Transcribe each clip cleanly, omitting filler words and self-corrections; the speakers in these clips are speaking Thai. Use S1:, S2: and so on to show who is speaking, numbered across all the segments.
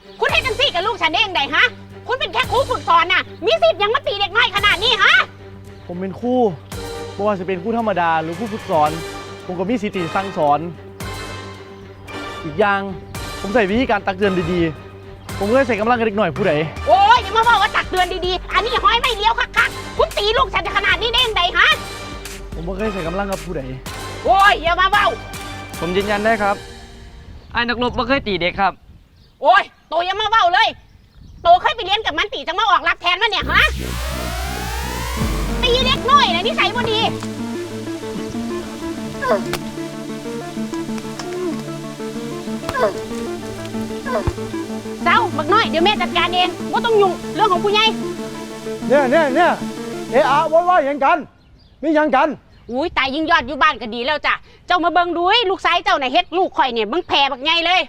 S1: คุณให้จังซี่กับลูกฉันได้ยังไงฮะคุณเป็นแค่ครูฝึกสอนน่ะมีสิทธิ์ยังมาตีเด็กน้อยขนาดนี้ฮะ
S2: ผมเป็นครูไม่ว่าจะเป็นครูธรรมดาหรือครูฝึกสอนผมก็มีสิทธิ์สั่งสอนอีกอย่างผมใส่วิธีการตักเตือนดีๆผมก็ใส่กำลังกับเด็กหน่อยผู้ใด
S1: โอ้ยอย่ามาบอกว่าตักเตือนดีๆอันนี้ห้อยไม่เลี้ยวคักๆคุณตีลูกฉันขนาดนี้ได้ยังไงฮะ
S2: ผมไม่เคยใส่กำลังกับผู้ใด
S1: โอ้ยอย่ามาเบ้า
S3: ผมยืนยันได้ครับไอ้นักรบไม่เคยตีเด็กครับ
S1: โอ้ยโตอย่ามาเบ้าเลยโตเคยไปเรียนกับมันตีจังมาออกรับแทนมันเนี่ยฮะตีเด็กน้อยนะนิสัยบ่ดีเจ้าบักน้อยเดี๋ยวแม่จัดการเองว่าต้องยุ่งเรื่องของผู้ใหญ่
S4: เนี่ยอะว่าอย่างกันมีอย่างกัน
S1: อุ้ยตายยิ่งยอดอยู่บ้านก็ดีแล้วจ้ะเจ้ามาเบิ่งดูลูกชายเจ้าน่ะเฮ็ดลูกข่อยเนี่ยมึงแผ่บักใหญ่เลย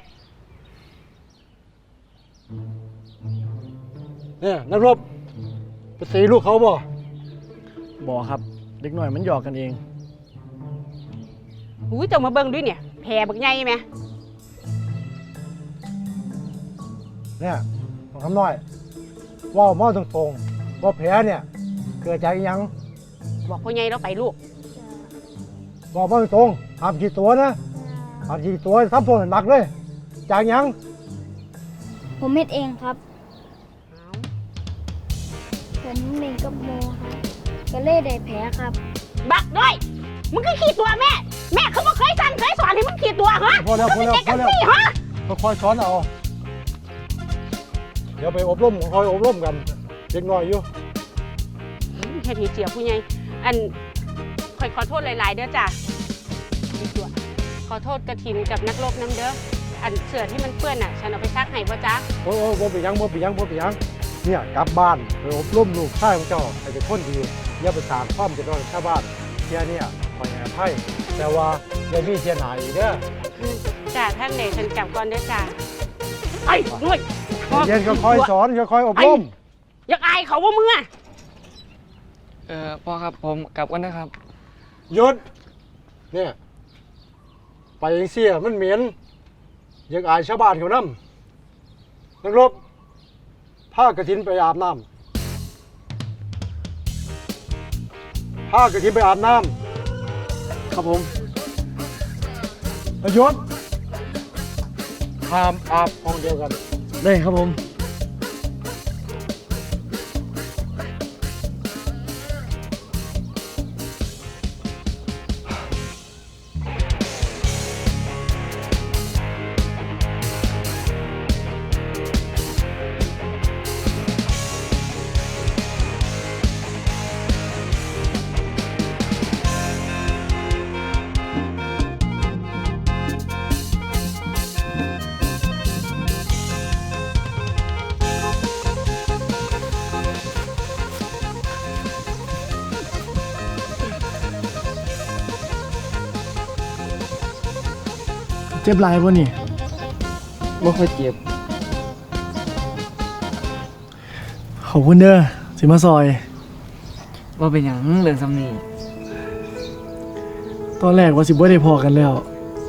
S4: เนี่ยนักรบไปตีลูกเขาบ่
S2: บอกครับเด็กหน่อยมันหยอกกันเอง
S1: อุ้ยเจ้ามาเบิ่งด้วยเนี่ยแผ่บักใหญ่ไหม
S4: เนี่ยของคำน้อยว่าหม้อตรงๆว่าแผลเนี่ยเกิดจากยัง
S1: บอกพ่อใหญ่เราไปลูก
S4: บอกหม้อตรงๆห้ามขีดตัวนะห้ามขีดตัวทำตัวหนักเลยจากยัง
S5: ผมเฮ็ดเองครับผมเล่นกับโมครับก็เลยได้แผลครับ
S1: บักด้วยมึงคือขีดตัวแม่เขาบอกเคยสั่งเคยสอนให้มึงขีดตัวฮะ
S4: พอแล้ว
S1: ฮะ
S4: ค่อยๆสอนเอาเดี๋ยวไปอบรมคอยอบรมกันเด็กน้อยอยู่
S1: แค่ทีเสียผู้ใหญ่อันคอยขอโทษหลายๆเด้อจ้ะขอโทษกระถินกับนักรบน้ำเด้ออันเสื้อที่มันเปื้อนอ่ะฉันเอาไปซักให้พ่อจ๊ะ
S4: โอ้บ่ไปยังเนี่ยกลับบ้านไปอบรมลูกชายของเจ้าให้เป็นคนดีอย่าไปสร้างความเดือดร้อนชาวบ้านเที่ยเนี่ยคอยแอบให้แต่ว่าอย่ามีเสียหายอีกเด้อ
S1: จ้ะท่านเดชฉันกลับก่อนเด้อจ้ะไอ้ด้วย
S4: เย็นก็คอยสอนก็คอยอบรม
S1: อยากอายเขาว่ามึงอ่ะ
S3: พ่อครับผมกลับกันนะครับ
S4: หยุดเนี่ยไปเสียมันเหม็นอยากอายชาวบ้านเขานำนักรบผ้ากระถินไปอาบน้ำผ้ากระถินไปอาบน้ำ
S2: ครับผม
S4: หยุดห้ามอาบห้องเดียวกัน
S2: ได้ครับผมเจ็บหลายป่ะนี่
S3: ไม่ค่อยเจ็บ
S2: ขอบคุณเด้อสิมาซอย
S3: ว่าเป็นอย่างเรื่องซ้ำนี่
S2: ตอนแรกว่าสิบ่ได้พอกันแล้ว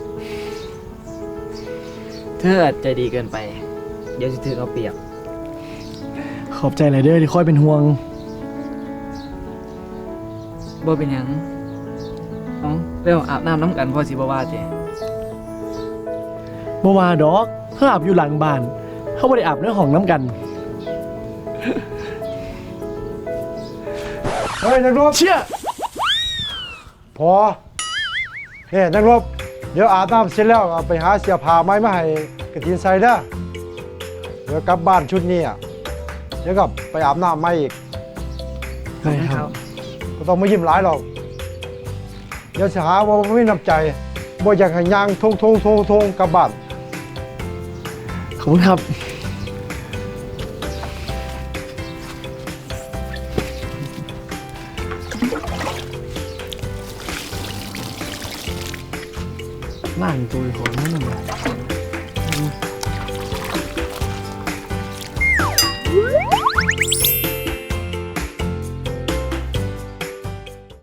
S3: เธออาจใจดีเกินไปเดี๋ยวจะถือเอาเปรียบ
S2: ขอบใจหลายเด้อที่คอยเป็นห่วง
S3: ว่าเป็นอย่างเรื่องอาบน้ำน้ำกันพอสิบ่ว่าเจ
S2: บ่ว่าดอกเพื่ออาบอยู่หลังบ้านเขาบ่ได้อาบในห้องน้ำกัน
S4: เฮ้ยนักรบ
S2: เชี่ย
S4: พอเนี่ยนักรบเดี๋ยวอาบน้ำเสร็จแล้วเอาไปหาเสื้อผ้าไม้มาให้กระถินใส่เด้อเดี๋ยวกลับบ้านชุดนี้เดี๋ยวก็ไปอาบน้ำใหม่อีก
S2: ใช่ครับ
S4: ก็ต้องไม่ยิ้มหลายหรอกเดี๋ยวจะหาว่าไม่น้ำใจบ่อยากให้ย่างทงกลับบ้าน
S2: ขอบคุณครับล่างตัวของนั่นน่ะ